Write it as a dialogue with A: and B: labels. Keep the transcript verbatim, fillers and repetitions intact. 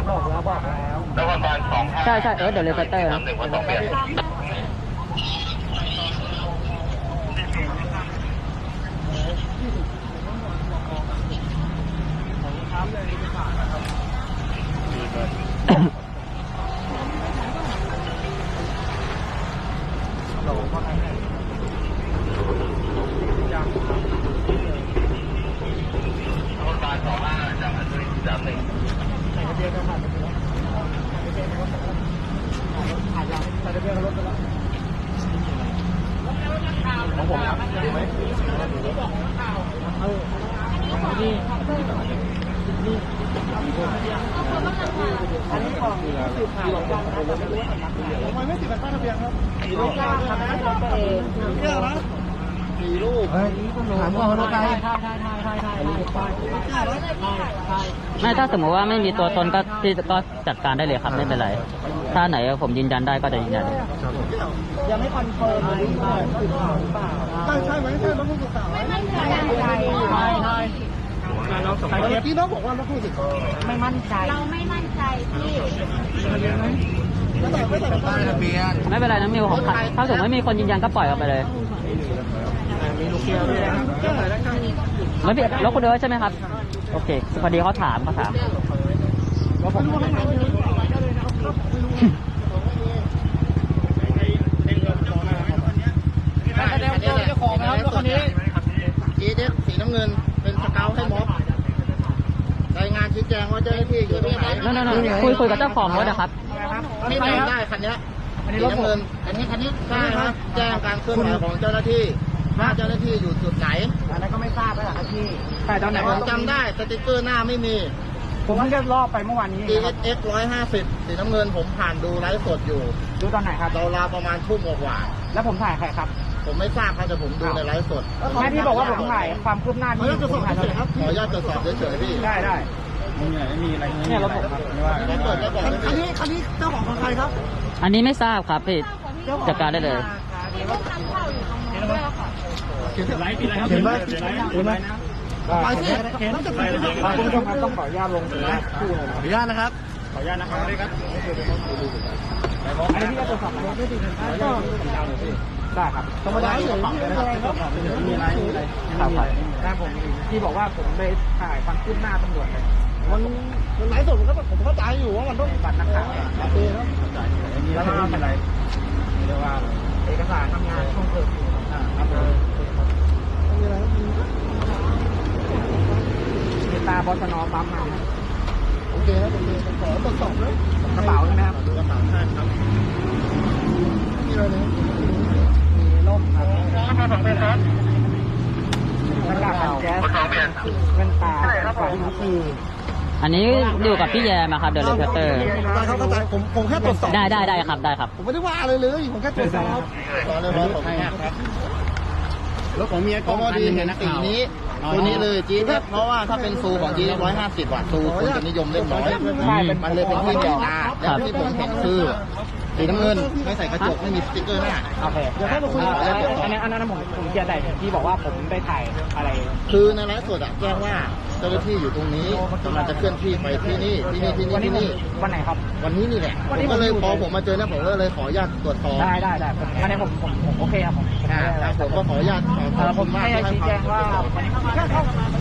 A: บอกแล้วบอกแล้วแล้วประมาณสอง
B: ใช่ใช่เออเดี๋ยวเลเตอร์นะ
A: ของผมดีไหมนี่นี่อันนี้ของสืบข่าวกันนะทำไมไม่ติดแผ่นป้ายทะเบียนครับสี่ลูกครับตัวเองเยอะนะสี่ลูกถามว่าเขาได้ใช่ใช่ใช่ใช่ใช่
B: ไม่ถ้าสมมติว่าไม่มีตัวตนก็ที่ก็จัดการได้เลยครับไม่เป็นไรถ้าไหนผมยืนยันได้ก็จะยืนยัน
A: ยังไม่คอนเฟิร์มเลยว่าสืบข่าวหรือเปล่าใช่ใช่ไหมใช่ต้องพูดข่าวไม่มั่นใจใช่ใช่ใช่เราสองคนที่น้องบอกว่าเราพูดสิ
C: ไม่มั่นใจเราไม่มั่นใจพี่
A: ไม่แต่ไม่แต่ป้ายทะเบียน
B: ไม่เป็นไรนะมิวของถ้าสมมติไม่มีคนยืนยันก็ปล่อยออกไปเลย
A: มีลูกเกียวด้วยนะ
B: ไม่ผิดแล้วคุณเดินใช่ไหมครับโอเคพอดีเขาถามเขาถาม
A: แล้วผมแสดงเจ้าของนะครับรถคันนี้จีเด็กสีน้ำเงินเป็นสเกลให้ม็อบรายงานชี้แจงว่าเจ้าหน้าที่อยู่ตรงไหน
B: นั่นนั่นคุยคุยกับเจ้าของรถนะครับ
A: ไม่ได้ได้คันนี้สีน้ำเงินอันนี้คันนี้ได้ครับแจ้งการเคลื่อนไหวของเจ้าหน้าที่ว่าเจ้าหน้าที่อยู่จุดไหนอันนั้นก็ไม่ทราบแล้วครับพี่แต่ตอนไหนผมจำได้สติ๊กเกอร์หน้าไม่มีผมเพิ่งจะรอบไปเมื่อวานนี้ ดี เอส เอ็กซ์ หนึ่งร้อยห้าสิบสีน้ำเงินผมผ่านดูไลฟ์สดอยู่ดูตอนไหนครับเราประมาณทุ่มกว่าแล้วผมถ่ายใครครับผมไม่ทราบครับแต่ผมดูในไลฟ์สดแม่ที่บอกว่าผมถ่ายความคืบหน้าที่ผมถ่ายครับขออนุญาตตรวจสอบเฉยๆพี่ได้ได้มึงไม่มีอะไรเนี่ยรถผมครับไม่ว่าไม่เปิดแล้วบอกคันนี้คันนี้เจ้าของใครครับ
B: อันนี้ไม่ทราบครับพี่จัดการได้เลย
A: เห็นไหมเห็นไหมเห็นไหมไปสิเห็นจะไปคุณผู้ชมครับต้องขออนุญาตลงนะขออนุญาตนะครับขออนุญาตนะครับได้ครับอันนี้พี่ก็ตรวจสอบรถด้วยดีนะครับได้ครับธรรมดาอยู่ฝั่งนะครับมีอะไรมีอะไรครับครับผมที่บอกว่าผมไปถ่ายฟังขึ้นหน้าตำรวจเลยมันมันหลายส่วนก็ผมเข้าใจอยู่ว่ามันต้องบัตรนักข่าวโอเคแล้วแล้วก็เป็นไรเรียกว่าเอกสารทำงานช่วงเกิดครับมีอะไรมีตาบอสนอปั๊มมาโอเคครับโอเคผมขอตรวจสอบเลยกระเป๋าใช่ไหมครับกระเป๋าใช่ครับมีอะไรเนี่ยมีร่มครับข้าวสองเป็นครับหน้ากากกันแก๊สแว่นตาไฟคือ
B: อันนี้อยู่กับพี่แยมครับเดอะเลเตอร์
A: เขาเข้าใจผมผมแค่ตรวจสอบ
B: ได้ได้ได้ครับได้ครับ
A: ผมไม่ได้ว่าอะไรเลยผมแค่ตรวจสอบรอเลยรอผมครับรถของเมียของดีเห็นสีนี้ตัวนี้เลยจีเอฟเพราะว่าถ้าเป็นซูของจีร้อยห้าสิบวัตต์ซูคนจะนิยมเล่นน้อยมันเลยเป็นที่เดียวแล้วที่ผมเห็นคือสีน้ำเงินไม่ใส่กระจกไม่มีสติ๊กเกอร์หน้าโอเคเดี๋ยวให้มาคุยอันนั้นอันนั้นผมผมเกียร์ใดที่บอกว่าผมได้ถ่ายอะไรคือในไลฟ์สดอะแจ้งว่าเจ้าหน้าที่อยู่ตรงนี้กำลังจะเคลื่อนที่ไปที่นี่ที่นี่ที่นี่ที่นี่วันไหนครับวันนี้นี่แหละผมก็เลยพอผมมาเจอเนี่ยผมก็เลยขออนุญาตตรวจสอบได้ได้ได้อันนี้ผมผมผมโอเคครับผมผมก็ขออนุญาตขอผมให้ชี้แจงว่าวันนี้แค่เข้า